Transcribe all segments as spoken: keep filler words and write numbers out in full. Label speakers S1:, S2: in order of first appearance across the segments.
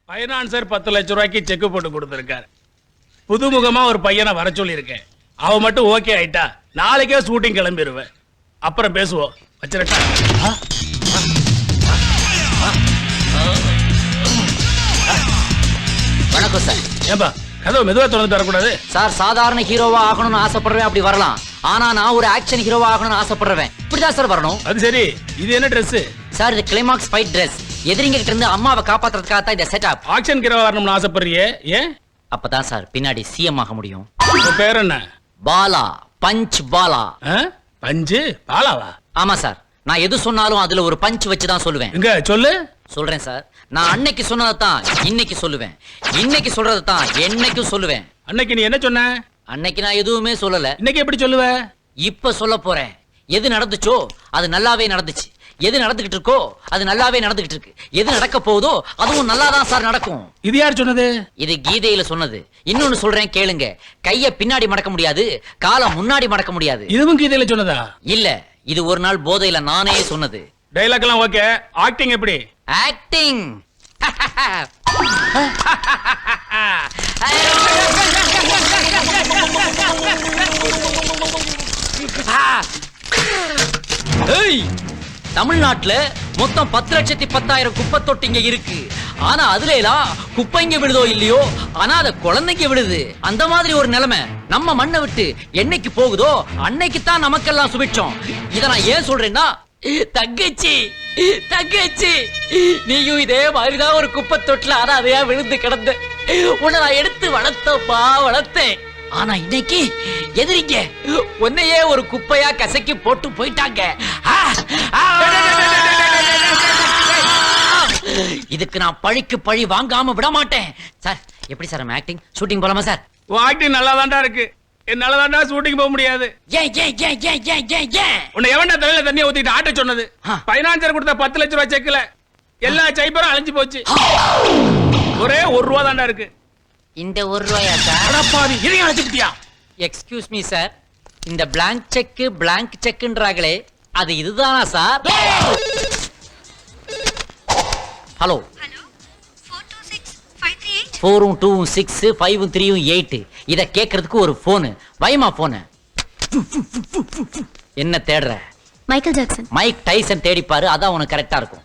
S1: Financier பத்து லட்சம் ரூபாய்க்கு செக் போட்டு கொடுத்துருக்காரு. புதுமுகமா ஒரு பையனை வர சொல்லியிருக்கேன். அவன் மட்டும் ஓகே ஆயிட்டா நாளைக்கே ஷூட்டிங் கிளம்பிடுவேன். அப்புறம் பேசுவோம். வச்சிருக்கா.
S2: வணக்கம் சார்.
S1: ஏன்பா கதவு மெதுவா திறந்துட்டு வரக்கூடாது
S2: சார்? சாதாரண ஹீரோவா ஆகணும்னு ஆசைப்படுறேன், அப்படி வரலாம். ஆனா நான் ஒரு ஆக்ஷன் ஹீரோவா ஆகணும்னு ஆசைப்படுறேன், இப்படிதான் சார் வரணும்.
S1: அது சரி, இது என்ன ட்ரெஸ்?
S2: சார் இது கிளைமாக்ஸ் ஃபைட் ட்ரெஸ். எதிரிங்க கிட்ட இருந்து அம்மாவை காப்பாத்துறதுக்காக தான் இந்த செட்டப்.
S1: ஆக்ஷன் ஹீரோ வரணும்னு ஆசைப்படுறியே, ஏன்?
S2: அப்பதான் சார் பின்னாடி சிஎம் ஆக முடியும்.
S1: உங்க பேர் என்ன?
S2: பாலா, பஞ்ச் பாலா.
S1: பஞ்சு பாலாவா?
S2: ஆமா சார், நான் எது சொன்னாலும் அதுல ஒரு பஞ்ச் வச்சு தான் சொல்லுவேன்.
S1: எங்க சொல்லு.
S2: சொல்றேன் சார். நான் அன்னைக்கு சொன்னதான் இன்னைக்கு சொல்லுவேன், இன்னைக்கு சொல்றதான் என்னைக்கும் சொல்லுவேன்.
S1: அன்னைக்கு நீ என்ன சொன்ன?
S2: அன்னைக்கு நான் எதுவுமே சொல்லல.
S1: இன்னைக்கு எப்படி சொல்லுவ?
S2: இப்ப சொல்ல போறேன். எது நடந்துச்சோ அது நல்லாவே நடந்துச்சு. எது நடந்துகிட்டு இருக்கோ அது நல்லாவே நடந்துகிட்டு இருக்கு. எது நடக்க போகுதோ அதுவும் நல்லாதான் சார் நடக்கும்.
S1: இது யார் சொன்னது?
S2: இது கீதையில சொன்னது. இன்னொன்னு சொல்றேன் கேளுங்க. கைய பின்னாடி மடக்க முடியாது, காலை முன்னாடி மடக்க முடியாது.
S1: இதுவும் கீதையில சொன்னதா?
S2: இல்ல, இது ஒரு நாள் போதையில நானே சொன்னது.
S1: டைலாக் எல்லாம் ஓகே, ஆக்டிங் எப்படி?
S2: ஆக்டிங் தமிழ்நாட்டுல மொத்தம் பத்து லட்சத்தி பத்தாயிரம் குப்பை தொட்டிங்க இருக்கு. ஆனா அதுல எல்லாம் குப்பைங்க விழுதோ இல்லையோ, ஆனா அத குழந்தைங்க விழுது. அந்த மாதிரி ஒரு நிலைமை நம்ம மண்ணை விட்டு என்னைக்கு போகுதோ அன்னைக்கு தான் நமக்கெல்லாம் சுபிட்சம். இத நான் ஏன் சொல்றேன்னா, தங்கச்சி தங்கச்சி நீயும் இதே மாதிரிதான் ஒரு குப்பை தொட்டில அதையா விழுந்து கிடந்த. உன்னை நான் எடுத்து வளர்த்தப்பா வளர்த்தேன். ஆனா இன்னைக்கு எதிரிங்க உன்னையே ஒரு குப்பையா கசக்கி போட்டு போயிட்டாங்க. இதுக்கு நான் பழிக்கு பழி வாங்காம விட மாட்டேன். சார் எப்படி சார் ஆக்டிங்? ஷூட்டிங் போலாமா சார்?
S1: உன் ஆக்டிங் நல்லா தான்டா இருக்கு. என்னால தான்டா ஷூட்டிங் போக முடியாது.
S2: ஏன் ஏன் ஏன் ஏன் ஏன் ஏன் ஏன்
S1: உன்னை எவன்டா தலையில தண்ணியை ஊத்திட்டு ஆட்ட சொன்னது? பைனான்சர் கொடுத்த பத்து லட்சம் ரூபாய் செக்ல எல்லா சைபரும் அழிஞ்சு போச்சு. ஒரே ஒரு ரூபா தான்டா இருக்கு.
S2: இந்த ஒரு ரூபாயா சார்?
S1: பாவி இதையும் அழைச்சிட்டியா?
S2: எக்ஸ்கியூஸ் மீ சார், இந்த பிளாங்க் செக் பிளாங்க் செக்ன்றாங்களே அது இதுதானா சார்? ஹலோ, ஃபோரும் two six five three eight. இத கேட்கறதுக்கு ஒரு போனு. வைமா போனு. என்ன தேடுற?
S3: Michael Jackson.
S2: மைக் டைசன் தேடிப்பாரு, அதான் உனக்கு கரெக்டா இருக்கும்.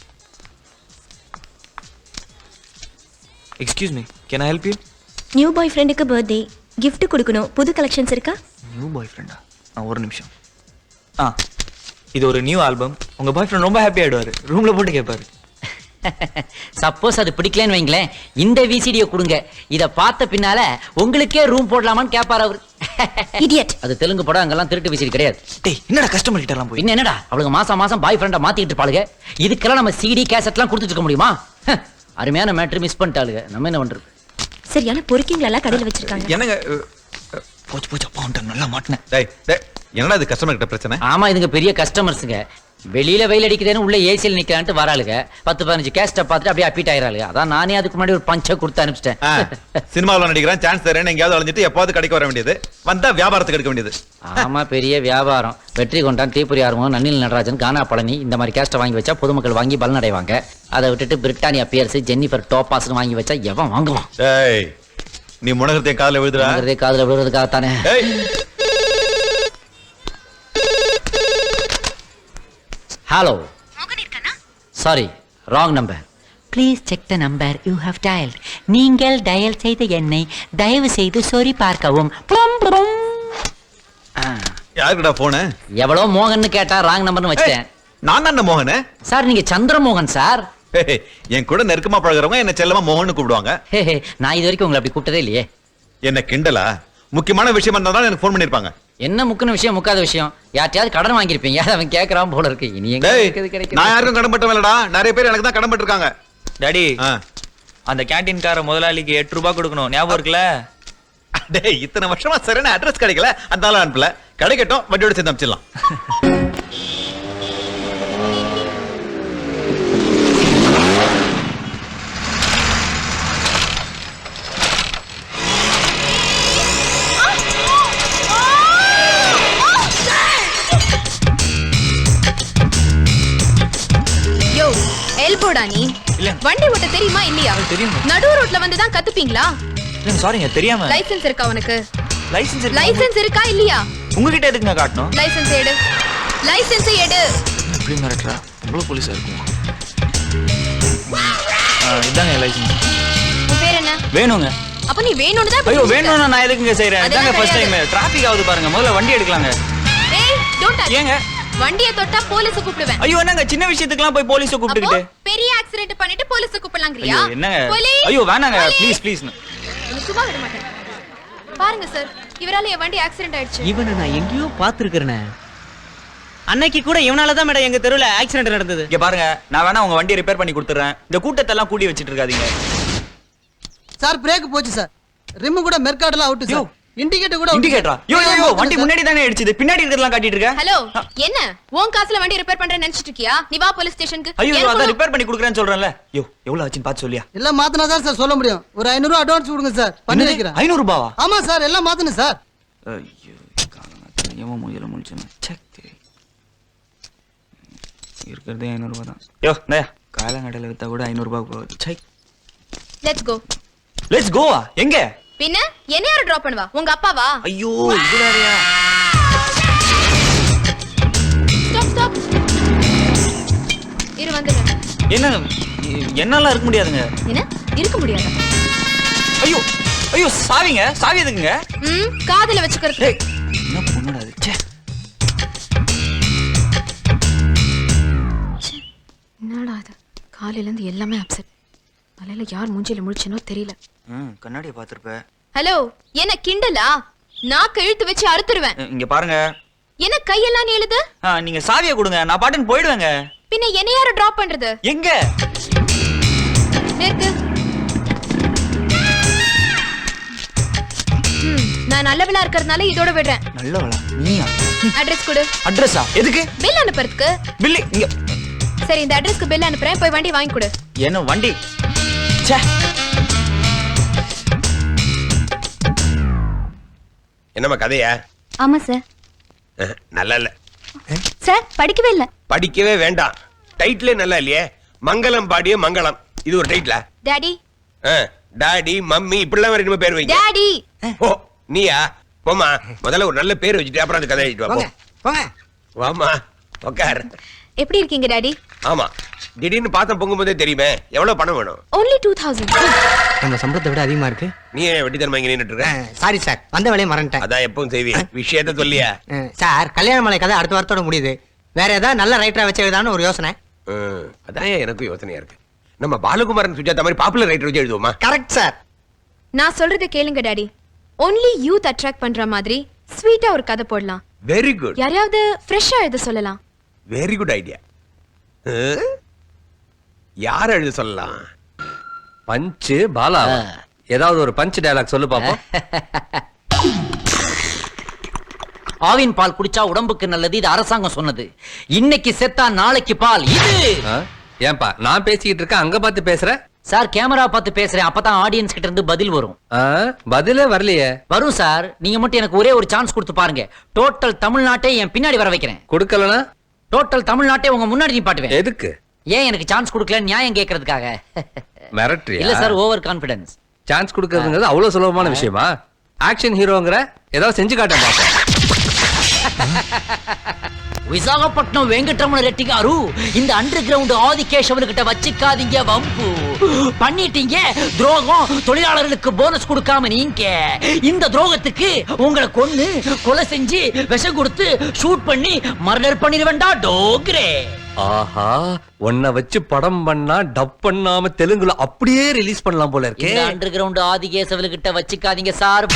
S4: Excuse me, can I help you?
S3: New boy ஃப்ரெண்டுக்கு பர்த்டே கிஃப்ட் கொடுக்கணும். புது கலெக்ஷன்ஸ் இருக்கா?
S4: நியூ பாய் ஃப்ரெண்டா? ஆ ஒரு நிமிஷம். ஆ இது ஒரு நியூ ஆல்பம். உங்க பாய் ஃப்ரெண்ட் ரொம்ப ஹாப்பி ஆயிடுவாரு. ரூம்ல போட்டு கேட்பாரு.
S2: சப்போஸ் அது பிடிக்கலன்னு வைங்களேன், இந்த விசிடியை கொடுங்க. இத பார்த்த பின்னால உங்களுக்கே ரூம் போடலாமான்னு கேட்பாரு அவரு.
S3: இடியட்.
S2: அது தெலுங்கு படம், அங்கெல்லாம் திருட்டு விசிடி கிடையாது.
S4: டேய் என்னடா கஸ்டமர் கிட்ட எல்லாம் போய்
S2: இன்னும் என்னடா அவளுக்கு மாசம் மாசம் பாய் ஃப்ரெண்டா மாத்திட்டு இருப்பாளுங்க. இதுக்கெல்லாம் நம்ம சிடி கேசட்லாம் கொடுத்துட்டு இருக்க முடியுமா? அருமையான மேட்ரு மிஸ் பண்ணிட்டாளுங்க. நம்ம என்ன பண்றது?
S3: சரியான பொறுக்கிங்களா எல்லாம் கடையில் வச்சிருக்காங்க.
S4: என்னங்க போச்சு போச்சு அப்பா வந்துட்டாங்க. நல்லா மாட்டினேன்.
S5: டேய் டேய் என்னடா இது கஸ்டமர் கிட்ட பிரச்சனை?
S2: ஆமா, இதுங்க பெரிய கஸ்டமர்ஸுங்க. வெளியில வெயில் அடிக்குதுன்னு உள்ள ஏசியில் நிக்கலான்ட்டு வராளுங்க. பத்து பதினஞ்சு கேஸ்ட பார்த்துட்டு அப்படியே அப்பிட் ஆயிராளுங்க. அதான் நானே அதுக்கு முன்னாடி ஒரு பஞ்சை கொடுத்து அனுப்பிச்சிட்டேன்.
S5: சினிமாவில் நடிக்கிறேன், சான்ஸ் தரேன், எங்கேயாவது அழிஞ்சிட்டு எப்பாவது கடைக்கு வர வேண்டியது, வந்தா வியாபாரத்துக்கு எடுக்க வேண்டியது.
S2: ஆமா, பெரிய வியாபாரம். வெற்றி கொண்டான், தீபுரி ஆர்வம், நன்னில் நடராஜன், கானா பழனி இந்த மாதிரி கேஸ்ட வாங்கி வச்சா பொதுமக்கள் வாங்கி பலன் அடைவாங்க. அதை விட்டுட்டு பிரிட்டானியா பியர்ஸ், ஜென்னிஃபர் டோபாஸ்னு வாங்கி வச்சா எவன் வாங்குவான்?
S5: டேய் நீ முனகரத்தையும் காதுல விழுதுடா.
S2: காதுல விழுறதுக்காகத்தானே. Hello, sorry, wrong number. Please check the number you have dialled. நீங்கள் டயல் செய்த எண்ணை தயவு செய்து சொறி பார்க்கவும்.
S5: யாருக்குடா போனு?
S2: எவ்வளோ மோகன் கேட்டா ராங் நம்பர்னு வச்சேன்.
S5: நான் தான் மோகன்
S2: சார். நீங்க சந்திரமோகன் சார்.
S5: என் கூட நெருக்கமா பழகுறவங்க என்ன செல்லமா மோகன் கூப்பிடுவாங்க.
S2: நான் இது வரைக்கும் உங்களை அப்படி கூப்பிட்டதே இல்லையே.
S5: என்ன கிண்டலா? முக்கியமான விஷயம் இருந்தாலும் எனக்கு போன் பண்ணிருப்பாங்க.
S2: என்ன முக்கின விஷயம் முக்காத விஷயம்? யார்ட்டையாவது கடன் வாங்கியிருப்பீங்க, அவன் கேட்கறான் போல இருக்கு. இனி எங்க கிடைக்கும்?
S5: நான் யாருக்கும் கடன் பட்டவன்லடா, நிறைய பேர் எனக்கு தான் கடன் பட்டிருக்காங்க.
S4: டாடி, அந்த கேண்டீன்கார முதலாளிக்கு எட்டு ரூபாய் கொடுக்கணும், ஞாபகம் இருக்குல்ல?
S5: டேய் இத்தனை வருஷமா சரியான அட்ரஸ் கிடைக்கல, அதனால அனுப்பல. கிடைக்கட்டும், வண்டியோட சேர்ந்து அனுப்பிச்சிடலாம்.
S3: எல்போடா நீ?
S4: இல்ல
S6: வண்டி ஓட்ட தெரியுமா இல்லையா?
S4: தெரியும்.
S6: நடு ரோட்ல வந்து தான் கத்துப்பீங்களா?
S4: இல்ல சாரிங்க தெரியாம.
S6: லைசென்ஸ் இருக்கா உனக்கு?
S4: லைசென்ஸ் இருக்கு.
S6: லைசென்ஸ் இருக்கா இல்லையா?
S4: உங்ககிட்ட எதுக்குங்க காட்டணும்?
S6: லைசென்ஸ் எடு. லைசென்ஸ் எடு.
S4: எப்படி மிரட்டுறா? உங்களுக்கு போலீஸா இருக்கும். இதாங்க லைசென்ஸ்.
S6: உன் பேர் என்ன?
S4: வேணுங்க.
S6: அப்ப நீ வேணும்னு தான்
S4: ஐயோ வேணும்னா நான் எதுக்குங்க செய்றேன்?
S6: அதெல்லாம்
S4: இதாங்க ஃபர்ஸ்ட் டைம்
S6: கிடையாது.
S4: டிராஃபிக் ஆகுது பாருங்க. முதல்ல வண்டி எடுக்கலாங்க.
S6: ஏய் டோன்ட் டச்.
S4: ஏங்க?
S6: வண்டியை தொட்டா போலீஸ் கூப்பிடுவேன்.
S4: ஐயோ என்னங்க சின்ன விஷயத்துக்குலாம் போய் போலீஸை
S6: அப்போ
S4: கூப்பிட்டுக்கிட்டு.
S6: பெரிய ஆக்சிடென்ட் பண்ணிட்டு போலீஸ் கூப்பிடலாங்கறியா?
S4: ஐயோ என்னங்க?
S6: போலீஸ்.
S4: ஐயோ வேணாங்க
S6: போலீஸ்.
S4: Please please.
S6: உனக்கு சும்மா விட மாட்டேன். பாருங்க சார், இவரால என் வண்டி ஆக்சிடென்ட் ஆயிடுச்சு.
S7: இவனை நான் எங்கேயோ பாத்துருக்கிறேனே. அன்னைக்கு கூட இவனால தான் மேடம் எங்க தெருவுல ஆக்சிடென்ட் நடந்தது.
S4: இங்க பாருங்க நான் வேணா உங்க வண்டியை ரிப்பேர் பண்ணி கொடுத்துறேன். இந்த கூட்டத்தை எல்லாம் கூடி வச்சிட்டு இருக்காதீங்க.
S8: சார் பிரேக் போச்சு சார். ரிம் கூட மெர்காட்ல அவுட் சார். இண்டிகேட்டர் கூட
S4: இண்டிகேட்டரா? யோ யோ யோ வண்டி முன்னாடி தானே அடிச்சது. பின்னாடி இருக்கறதெல்லாம் காட்டிட்டு இருக்க.
S6: ஹலோ, என்ன உன் காசுல வண்டி ரிப்பேர் பண்றேன்னு நினைச்சிட்டு இருக்கியா? நீ வா போலீஸ் ஸ்டேஷனுக்கு.
S4: ஐயோ அத ரிப்பேர் பண்ணி கொடுக்கறேன்னு சொல்றேன்ல. யோ எவ்வளவு ஆச்சுன்னு பார்த்து சொல்லியா?
S8: எல்லாம் மாத்தனா தான் சார் சொல்ல முடியும். ஒரு ஐநூறு ரூபாய் அட்வான்ஸ் கொடுங்க சார். பண்ணி வைக்கிறேன்.
S4: ஐநூறு ரூபாவா?
S8: ஆமா சார் எல்லாம் மாத்தணும் சார்.
S4: ஐயோ காலங்கத்துல ஏமா மூஞ்சில முழிச்சேன். செக் இருக்கிறதே ஐநூறு ரூபாய் தான். யோ நயா காலங்கடையில வித்தா கூட ஐநூறு ரூபாய் போகுது. செக்.
S6: Let's go.
S4: லெட்ஸ் கோவா? எங்க?
S6: பின்ன என்ன யார டிராப் பண்ணுவா? உங்க அப்பாவா?
S4: ஐயோ இது வேறயா?
S6: Stop stop. இரு வந்துறேன்.
S4: என்ன என்னால இருக்க முடியாதுங்க.
S6: என்ன இருக்க முடியாது?
S4: ஐயோ ஐயோ சாவிங்க. சாவி எதுக்குங்க?
S6: ம் காதுல வச்சுக்கிறது.
S4: ஏய் என்ன பொண்ணுடா இது? ச்சே.
S6: என்னடா இது? காலையில இருந்து எல்லாமே அப்செட். காலையில யார் மூஞ்சில முழிச்சனோ தெரியல.
S4: ம் கண்ணாடியை பாத்துறப்ப.
S6: ஹலோ, என்ன கிண்டலா? நான் கழுத்து வச்சு அறுத்துருவேன்.
S4: இங்க பாருங்க.
S6: என்ன கையெல்லாம் நீளுது?
S4: ஆ, நீங்க சாவியை கொடுங்க. நான் பாட்டுன்னு போயிடுவேங்க.
S6: பின்ன என்ன யார டிராப் பண்றது?
S4: எங்க?
S6: நிறுத்து. ம், நான் நல்லவளா இருக்கறதுனால இதோட விடுறேன்.
S4: நல்லவளா? நீயா?
S6: அட்ரஸ் கொடு.
S4: அட்ரஸா? எதுக்கு?
S6: பில் அனுப்புறதுக்கு.
S4: பில்லி இங்க.
S6: சரி, இந்த அட்ரஸ்க்கு பில் அனுப்புறேன். போய் வண்டி வாங்கி கொடு.
S4: என்ன வண்டி? ச்சே.
S9: என்னம்மா கதையா?
S3: ஆமா சார்.
S9: அஹ், நல்லா இல்ல.
S3: சார் படிக்கவே இல்ல.
S9: படிக்கவே வேண்டாம். டைட்டிலே நல்லா இல்லையே. மங்களம் பாடிய மங்களம். இது ஒரு டைட்டிலா?
S6: டாடி.
S9: அஹ், டாடி மம்மி இப்படிலாம் வேற பேர் வைங்க.
S6: டாடி.
S9: ஓ நீயா? போமா முதல்ல ஒரு நல்ல பேர் வச்சுட்டு அப்புறம் அந்த கதை எழுதிட்டு வா. போ.
S8: போங்க.
S9: வாமா உட்கார்.
S6: எப்படி இருக்கீங்க டாடி?
S9: ஆமா திடீர்னு பாத்தம் பொங்கும் போதே தெரியுமே. எவ்வளவு பணம் வேணும்?
S6: only two thousand.
S8: நம்ம சம்பளத்தை விட அதிகமா இருக்கு.
S9: நீ ஏன் வெட்டித்தனமா இங்க நின்னுட்டு இருக்க?
S8: சாரி சார், வந்த வேலையை மறந்துட்டேன்.
S9: அதான் எப்பவும் செய்வி. விஷயத்த சொல்லியா?
S8: சார் கல்யாண மலை கதை அடுத்த வாரத்தோட முடியுது. வேற ஏதாவது நல்ல ரைட்டரா வச்சு எழுதான்னு ஒரு யோசனை.
S9: அஹ், அதான் எனக்கும் யோசனையா இருக்கு. நம்ம பாலகுமாரன் சுஜாதா மாதிரி பாப்புலர் ரைட்டர் வச்சு எழுதுவோமா?
S8: Correct sir.
S6: நான் சொல்றதை கேளுங்க டாடி. only youth attract பண்ற மாதிரி ஸ்வீட்டா ஒரு கதை போடலாம்.
S9: Very good.
S6: யாரையாவது ஃப்ரெஷ்ஷா எழுத சொல்லலாம்.
S9: Very good idea. யார் எழுத சொல்லலாம்?
S10: பஞ்சு பாலா. ஏதாவது ஒரு பஞ்ச் டயலாக் சொல்லு பாப்போம்.
S2: ஆவின் பால் குடிச்சா உடம்புக்கு நல்லது, இது அரசாங்கம் சொன்னது. இன்னைக்கு செத்தா நாளைக்கு பால். இது
S10: ஆ? ஏன்பா நான் பேசிக்கிட்டு இருக்கேன் அங்க பார்த்து பேசுற?
S2: சார் கேமரா பார்த்து பேசுறேன், அப்பதான் ஆடியன்ஸ் கிட்ட இருந்து பதில் வரும்.
S10: ஆ? பதிலே வரலையே.
S2: வரும் சார், நீங்க மட்டும் எனக்கு ஒரே ஒரு சான்ஸ் கொடுத்து பாருங்க. டோட்டல் தமிழ்நாட்டை என் பின்னாடி வர வைக்கிறேன்.
S10: கொடுக்கலனா
S2: டோட்டல் தமிழ்நாட்டை உங்க முன்னாடி நிப்பாட்டுவேன்.
S10: எதுக்கு?
S2: ஏன் எனக்கு சான்ஸ் கொடுக்கல நியாயம் கேட்கறதுக்காக.
S10: மிரட்டறியா?
S2: இல்ல சார், ஓவர் கான்பிடன்ஸ்.
S10: சான்ஸ் கொடுக்கறதுங்கிறது அவ்வளவு சுலபமான விஷயமா? ஆக்ஷன் ஹீரோங்கற ஏதாவது செஞ்சு காட்ட பாப்போம்.
S2: விசாகப்பட்டினம் வெங்கட்ரமண ரெட்டி காரு, இந்த அண்டர் கிரவுண்ட் ஆதிகேஷவன் கிட்ட வச்சுக்காதீங்க வம்பு. பண்ணிட்டீங்க துரோகம். தொழிலாளர்களுக்கு போனஸ் கொடுக்காம நீங்க இந்த துரோகத்துக்கு உங்களை கொன்னு கொலை செஞ்சு விஷம் கொடுத்து ஷூட் பண்ணி மர்டர் பண்ணிடுவேண்டா டோக்ரே.
S10: ஆஹா, உன்னை வச்சு படம் பண்ணா டப் பண்ணாம தெலுங்குல அப்படியே ரிலீஸ் பண்ணலாம் போல இருக்கே.
S2: இந்த அண்டர் கிரவுண்ட் ஆதிகேசவன் கிட்ட வச்சுக்காதீங்க சார்.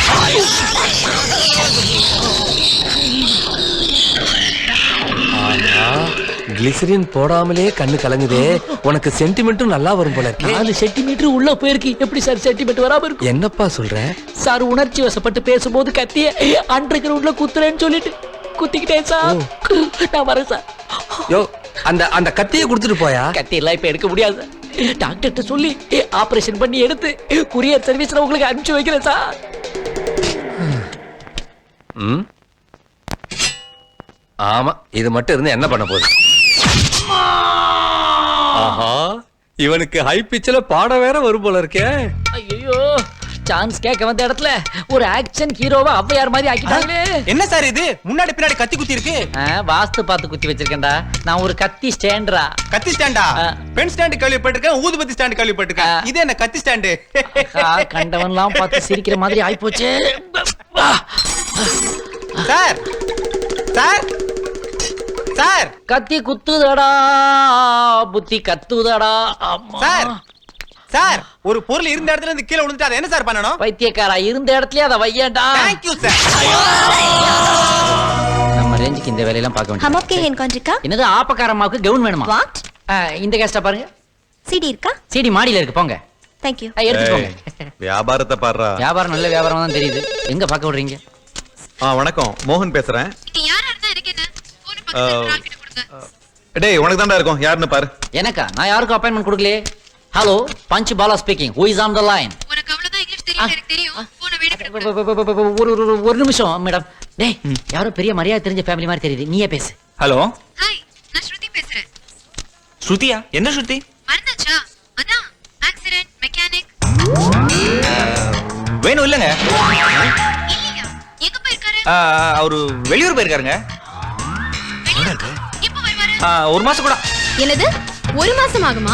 S10: கிளிசரின் போடாமலே கண்ணு கலங்குதே. உனக்கு சென்டிமெண்ட்டும் நல்லா வரும் போல இருக்கு.
S2: நாலு சென்டிமீட்டர் உள்ள போயிருக்கு, எப்படி சார் சென்டிமீட்டர் வராம இருக்கும்?
S10: என்னப்பா சொல்ற?
S2: சார் உணர்ச்சி வசப்பட்டு பேசும்போது கத்திய அண்டர் கிரவுண்ட்ல குத்துறேன்னு சொல்லிட்டு குத்திக்கிட்டேன் சார். நான் வரேன் சார்.
S10: யோ அந்த அந்த கத்தியை கொடுத்துட்டு போயா.
S2: கத்தி எல்லாம் இப்ப எடுக்க முடியாது. டாக்டர்கிட்ட சொல்லி ஆபரேஷன் பண்ணி எடுத்து குரியர் சர்வீஸ்ல உங்களுக்கு அனுப்பிச்சு வைக்கிறேன் சார்.
S10: ம் ஆமா, இது மட்டும் இருந்து என்ன பண்ண போகுது? ஆஹா, இவனுக்கு ஹை பிச்சில் பாட வேற வரும் போல இருக்கே.
S2: ஐயோ சான்ஸ் கேட்க வந்த இடத்துல ஒரு ஆக்ஷன் ஹீரோவா ஔவையார் மாதிரி ஆக்கிட்டாங்களே.
S7: என்ன சார் இது முன்னாடி பின்னாடி கத்தி குத்தி இருக்கு?
S2: ஆ, வாஸ்து பார்த்து குத்தி வச்சிருக்கேன்டா. நான் ஒரு கத்தி ஸ்டாண்டரா.
S7: கத்தி ஸ்டாண்டா? பென் ஸ்டாண்ட் கேள்விப்பட்டிருக்கேன், ஊதுபத்தி ஸ்டாண்ட் கேள்விப்பட்டிருக்கேன். இது என்ன கத்தி ஸ்டாண்டு?
S2: கண்டவன்லாம் பார்த்து சிரிக்கிற மாதிரி ஆயிப்போச்சு.
S7: சார் சார் சார்
S2: கத்தி குத்துதடா புத்தி கத்துதடா.
S7: சார் சார் ஒரு பொருள் இருந்த இடத்துல இருந்து கீழே விழுந்துட்டு அதை என்ன சார் பண்ணணும்?
S2: பைத்தியக்காரா இருந்த இடத்துலயே அதை வையண்டா.
S7: Thank you sir.
S2: நம்ம ரேஞ்சுக்கு இந்த வேலையெல்லாம் பார்க்க
S3: हम
S2: வேண்டியது.
S3: आपके हैं कौन का
S2: என்னது ஆப்பக்காரம்மாவுக்கு கவுன் வேணுமா?
S3: What?
S2: ஆ, இந்த கேஸ்ட பாருங்க.
S3: सीडी இருக்கா?
S2: சீடி மாடியில இருக்கு, போங்க.
S3: Thank you.
S2: ஆ, எடுத்து போங்க.
S5: வியாபாரத்தை பாடுறா.
S2: வியாபாரம் நல்ல வியாபாரம் தான் தெரியுது. எங்க பார்க்க விடுறீங்க?
S5: ஆ வணக்கம், மோகன் பேசுறேன்.
S6: யாரா இருந்தா எனக்கு என்ன? போன் பக்கத்துல ராக்கெட் கொடுங்க.
S5: டேய் உனக்கு தான்டா இருக்கும், யாருன்னு பாரு.
S2: எனக்கா? நான் யாருக்கும் அப்பாயின்மெண்ட் கொடுக்கலையே. Hello, punch Bala speaking. Who is on the line?
S6: உனக்கு அவ்வளவுதான் இங்கிலீஷ் தெரியும், எனக்கு தெரியும். போனை வேடிக்கை
S2: ஒரு ஒரு- ஒரு நிமிஷம் மேடம். டேய், யாரோ பெரிய மரியாதை தெரிஞ்ச ஃபேமிலி மாதிரி தெரியுது. நீயே பேசு.
S4: ஹலோ
S6: ஹாய், நான் ஸ்ருதி பேசுறேன்.
S4: ஸ்ருதியா? என்ன ஸ்ருதி?
S6: மறந்தாச்சா? அதான் ஆக்சிடென்ட் மெக்கானிக்.
S4: வேணும் இல்லைங்க.
S6: இல்லையா? எங்க போயிருக்காரு?
S4: ஆ, அவரு வெளியூர் போயிருக்காருங்க.
S6: வெளியூருக்கு? எப்போ வருவாரு?
S4: ஆ, ஒரு மாசம் கூட.
S6: என்னது? ஒரு மாசம் ஆகுமா?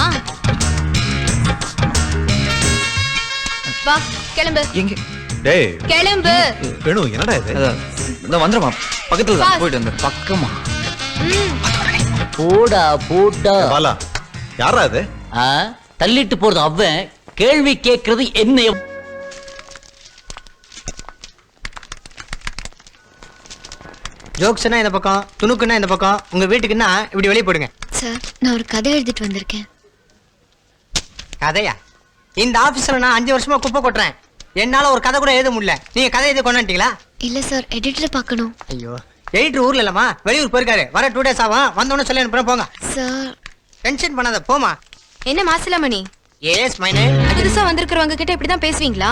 S6: வா, கிளம்பு.
S4: எங்க?
S5: டேய்
S6: கிளம்பு.
S5: வேணு, என்னடா இது?
S4: இந்த வந்துருமா? பக்கத்துல தான், போயிட்டு வந்து.
S2: பக்கமா? போடா போடா.
S5: பாலா, யாரா அது?
S2: ஆ, தள்ளிட்டு போறது அவன். கேள்வி கேட்கறது என்ன?
S7: ஜோக்ஸ்னா இந்த பக்கம், துணுக்குன்னா இந்த பக்கம், உங்க வீட்டுக்குன்னா இப்படி வெளியே போடுங்க.
S6: சார், நான் ஒரு கதை எழுதிட்டு வந்திருக்கேன்.
S7: கதையா? இந்த ஆபீஸ்ல நான் அஞ்சு வருஷமா குப்பை கொட்டுறேன். என்னால ஒரு கதை கூட எழுத முடியல. நீங்க கதை எழுதி கொண்டாட்டீங்களா?
S6: இல்ல சார், எடிட்டர் பார்க்கணும்.
S7: ஐயோ, எடிட்டர் ஊர்ல இல்லம்மா, வெளியூர் போயிருக்காரு. வர டூ டேஸ் ஆகும். வந்தோன்னு சொல்லி அனுப்புறேன், போங்க.
S6: சார்,
S7: டென்ஷன் பண்ணாத, போமா.
S6: என்ன மாசிலாமணி,
S7: எஸ் மைனே.
S6: புதுசா வந்திருக்கிறவங்க கிட்ட இப்படிதான் பேசுவீங்களா?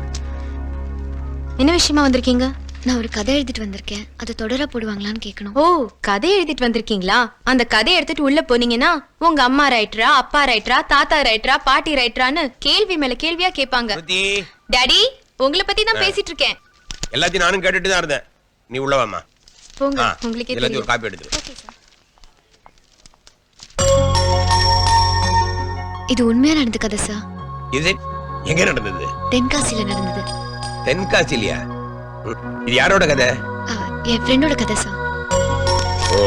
S6: என்ன விஷயமா வந்திருக்கீங்க? நான் ஒரு கதை எழுதிட்டு வந்திருக்கேன். அதை தொடர போடுவாங்களான்னு கேட்கணும். ஓ, கதை எழுதிட்டு வந்திருக்கீங்களா? அந்த கதையை எடுத்துட்டு உள்ள போனீங்கன்னா உங்க அம்மா ரைட்டரா, அப்பா ரைட்டரா, தாத்தா ரைட்டரா, பாட்டி ரைட்டரான்னு கேள்வி மேல கேள்வியா கேட்பாங்க. டாடி, உங்களை பத்தி தான் பேசிட்டு இருக்கேன்.
S9: எல்லாத்தையும் நானும் கேட்டுட்டு தான் இருந்தேன். நீ உள்ள வாமா.
S6: போங்க,
S9: ஆ,
S6: உங்களுக்கே
S9: எல்லாத்தையும் ஒரு
S6: தெரியும்.
S9: காப்பி எடுத்து.
S6: Okay sir. இது உண்மையா நடந்த கதை சார்.
S9: இது எங்க நடந்தது?
S6: தென்காசியில நடந்தது.
S9: தென்காசிலியா? இது யாரோட கதை?
S6: ஆ, என் ஃப்ரெண்டோட கதை சார்.
S9: ஓ,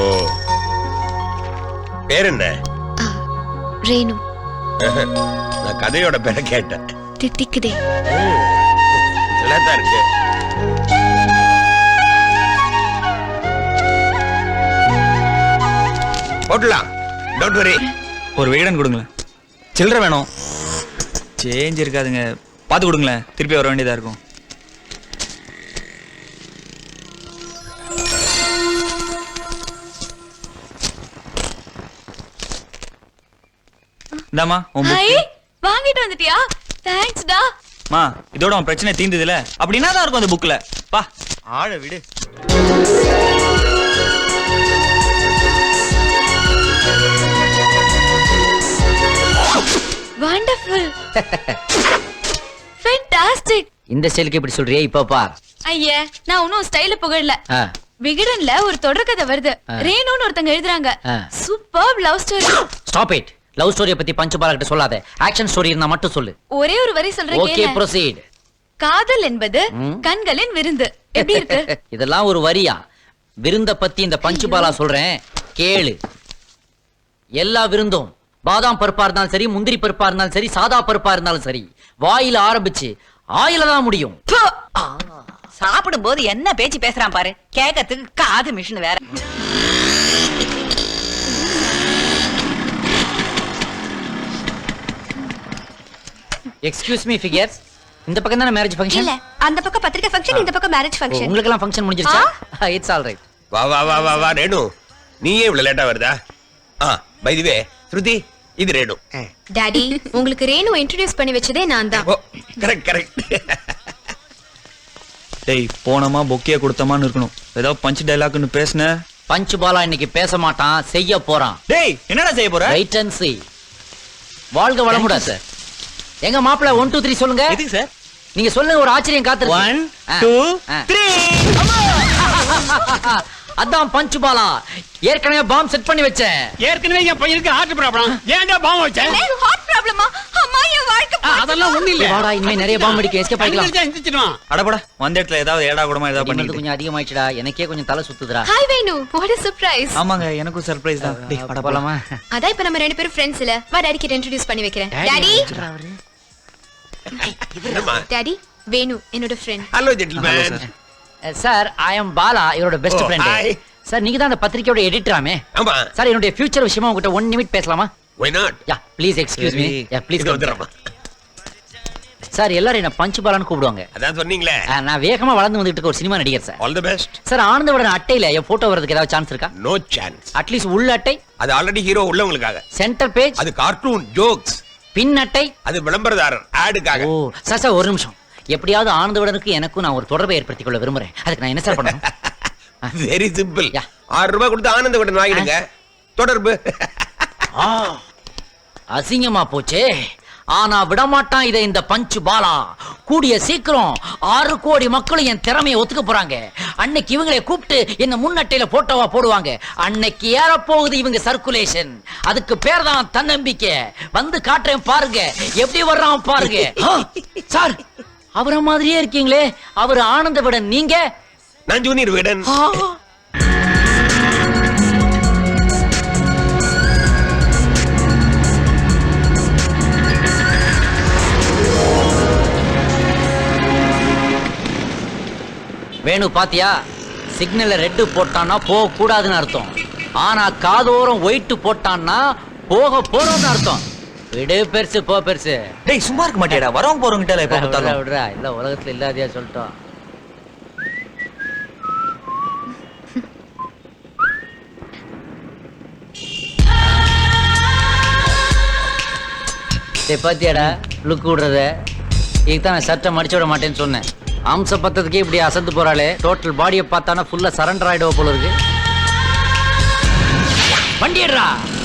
S9: பேர் என்ன?
S6: ஆ, ரேணு.
S9: நான் கதையோட பேரை கேட்டேன்.
S6: தித்திக்குதே.
S9: நல்லாதான் இருக்கு. போட்டலாம், டோன்ட் வரி.
S4: ஒரு விகடன் கொடுங்களேன். சில்லறை வேணும். சேஞ்ச் இருக்காதுங்க, பார்த்து கொடுங்களேன். திருப்பி வர வேண்டியதா இருக்கும். இந்தாம்மா உன் book.
S6: ஹாய், வாங்கிட்டு வந்துட்டியா? தேங்க்ஸ் டா.
S4: மா, இதோட உன் பிரச்சனை தீர்ந்ததுல அப்படின்னா தான் இருக்கும் அந்த புக்ல. பா, ஆழ விடு.
S6: வண்டர்ஃபுல். ஃபேண்டாஸ்டிக்.
S2: இந்த ஸ்டைலுக்கு இப்படி சொல்றியே? இப்ப பார்.
S6: ஐயே, நான் இன்னும் ஸ்டைல புகழல.
S2: ஆ,
S6: விகடன்ல ஒரு தொடர்கதை வருது. ரேணுன்னு ஒருத்தங்க எழுதுறாங்க.
S2: ஆ.
S6: Super love story.
S2: Stop it. Love ஸ்டோரிய பத்தி பஞ்சு பாலா கிட்ட சொல்லாத. ஆக்ஷன் ஸ்டோரி இருந்தா மட்டும் சொல்லு.
S6: ஒரே ஒரு வரி சொல்றேன்
S2: ஓகே,
S6: கேளு.
S2: ப்ரோசீட்.
S6: காதல் என்பது
S2: ம்.
S6: கண்களின் விருந்து. எப்படி இருக்கு?
S2: இதெல்லாம் ஒரு வரியா? விருந்த பத்தி இந்த பஞ்சு பாலா சொல்றேன் கேளு. எல்லா விருந்தும் பாதாம் பருப்பா இருந்தாலும் சரி, முந்திரி பருப்பா இருந்தாலும் சரி, சாதா பருப்பா இருந்தாலும் சரி, வாயில ஆரம்பிச்சு ஆயில தான் முடியும்.
S11: சாப்பிடும் போது என்ன பேச்சு பேசுறான் பாரு. கேட்கறதுக்கு காது மிஷின் வேற.
S2: எக்ஸ்கியூஸ் மீ ஃபிகர்ஸ், இந்த பக்கம் தானே மேரேஜ் ஃபங்க்ஷன்?
S3: இல்ல, அந்த பக்கம் பத்திரிக்கை ஃபங்க்ஷன், இந்த பக்கம் மேரேஜ் ஃபங்க்ஷன்.
S2: உங்களுக்கு எல்லாம் ஃபங்க்ஷன் முடிஞ்சிருச்சா? It's all right.
S9: வா வா வா வா வா ரேணு, நீயே இவ்வளவு லேட்டா வருதா? ஆ, பை தி வே ஸ்ருதி, இது ரேணு.
S6: டாடி, உங்களுக்கு ரேணு இன்ட்ரோடியூஸ் பண்ணி வச்சதே நான் தான்.
S9: ஓ, கரெக்ட் கரெக்ட்.
S4: டேய், போனமா பொக்கே கொடுத்தமான்னு இருக்கணும். ஏதோ பஞ்ச் டைலாக்னு பேசுன.
S2: பஞ்சு பாலா இன்னைக்கு பேச மாட்டான், செய்ய போறான்.
S4: டேய், என்னடா செய்ய போற?
S2: Right and see. வாழ்க வளமுடா சார். எங்க மாப்பிள்ள ஒன் டூ த்ரீ சொல்லுங்க.
S7: எதுக்கு சார்?
S2: நீங்க சொல்லுங்க, ஒரு ஆச்சரியம் காத்து.
S7: One two three.
S2: அதான் பஞ்சு பாலா. ஏற்கனவே பாம் செட் பண்ணி வச்சேன்.
S1: ஏற்கனவே என் பையனுக்கு ஹார்ட் ப்ராப்ளம். ஏன்டா பாம் வச்சேன்?
S6: ஹார்ட் ப்ராப்ளமா? அம்மா என் வாழ்க்கை
S1: அதெல்லாம் ஒண்ணு இல்ல.
S2: வாடா, இனிமே நிறைய பாம் அடிக்க எஸ்கேப் ஆயிக்கலாம்.
S1: எந்திரிச்சிடுவான்.
S5: அடபட வந்த இடத்துல ஏதாவது ஏடா கூடமா ஏதாவது
S2: இது
S5: பண்ணிட்டு
S2: கொஞ்சம் அதிகமாயிடுச்சுடா. எனக்கே கொஞ்சம் தலை சுத்துதுடா.
S6: Hi Venu, what a surprise.
S5: ஆமாங்க எனக்கும் சர்ப்ரைஸ் தான். டேய் அட
S2: போலாமா?
S6: அதான் இப்ப நம்ம ரெண்டு பேரும் ஃப்ரெண்ட்ஸ் இல்ல. வா டாடி கிட்ட இன்ட்ரோ듀ce பண்ணி வைக்கிறேன். டாடி டாடி வேணு என்னோட friend.
S9: Hello gentleman.
S2: Sir, I am Bala, இவரோட பெஸ்ட் ஃப்ரெண்ட். சார், நீங்க தான் அந்த பத்திரிக்கையோட எடிட்டராமே.
S9: ஆமா.
S2: சார், என்னோட ஃபியூச்சர் விஷயமா உங்ககிட்ட ஒன் நிமிட் பேசலாமா?
S9: Why not?
S2: Yeah please excuse me. Yeah please.
S9: இது வந்துடுறேம்மா.
S2: சார், எல்லாரும் என்ன பஞ்சு பாலான்னு கூப்பிடுவாங்க.
S9: அதான் சொன்னீங்களே.
S2: ஆ, நான் வேகமா வளர்ந்து வந்துட்டு இருக்க ஒரு சினிமா நடிகர் sir.
S9: All the best.
S2: Sir, ஆனந்தவுடன் அட்டையில என் போட்டோ வரதுக்கு ஏதாவது சான்ஸ் இருக்கா?
S9: No chance.
S2: அட்லீஸ்ட் உள்ள அட்டை,
S9: அது ஆல்ரெடி ஹீரோ உள்ளவங்களுக்காக.
S2: சென்டர் பேஜ்,
S9: அது கார்ட்டூன் ஜோக்ஸ்.
S2: பின் அட்டை,
S9: அது விளம்பரதாரர் ஆடுக்காக.
S2: ஓ சார் சார், ஒரு நிமிஷம். எப்படியாவது ஆனந்தவுடனுக்கு எனக்கும் நான் ஒரு தொடர்பை ஏற்படுத்திக் கொள்ள விரும்புறேன். அதுக்கு நான் என்ன சார் பண்ணணும்?
S9: Very simple.
S2: யா.
S9: ஆறு ரூபாய் கொடுத்து ஆனந்தவுடன் வாங்கிடுங்க. தொடர்பு.
S2: ஆ, அசிங்கமா போச்சே. ஆனா விடமாட்டான் இதை இந்த பஞ்சு பாலா. கூடிய சீக்கிரம் ஆறு கோடி மக்களும் என் திறமையை ஒத்துக்க போறாங்க. அன்னைக்கு இவங்களை கூப்பிட்டு என்ன முன்னட்டையில போட்டோவா போடுவாங்க. அன்னைக்கு ஏற போகுது இவங்க சர்க்குலேஷன். அதுக்கு பேர் தான் தன்னம்பிக்கை. வந்து காட்டுறேன் பாருங்க, எப்படி வர்றான் பாருங்க. ஆ, சார், அவரை மாதிரியே இருக்கீங்களே. அவர் ஆனந்த விடன், நீங்க?
S9: நான் ஜூனியர் விடன்.
S2: ஆ, வேணு பாத்தியா? சிக்னல்ல ரெட்டு போட்டான்னா போக கூடாதுன்னு அர்த்தம். ஆனா காதோரம் ஒயிட் போட்டான்னா போக போறோம்னு அர்த்தம். விடு பெருசு, போ பெருசு.
S5: டேய் சும்மா இருக்க மாட்டியாடா? வரவங்க போறவங்க கிட்ட எப்ப
S2: விடுறா,
S5: பார்த்தாலும்.
S2: விடுறா. இல்ல உலகத்துல இல்லாதையா சொல்லிட்டோம். டேய் பாத்தியாடா லுக் விடுறத? இதுதான் நான் சட்டை மடிச்சு விட மாட்டேன்னு சொன்னேன். அம்ச பத்ததுக்கே இப்படி அசந்து போறாளே. டோட்டல் பாடியை பார்த்தானா ஃபுல்லா சரண்டர் ஆயிடுவா போல இருக்கு. வண்டிடுறா.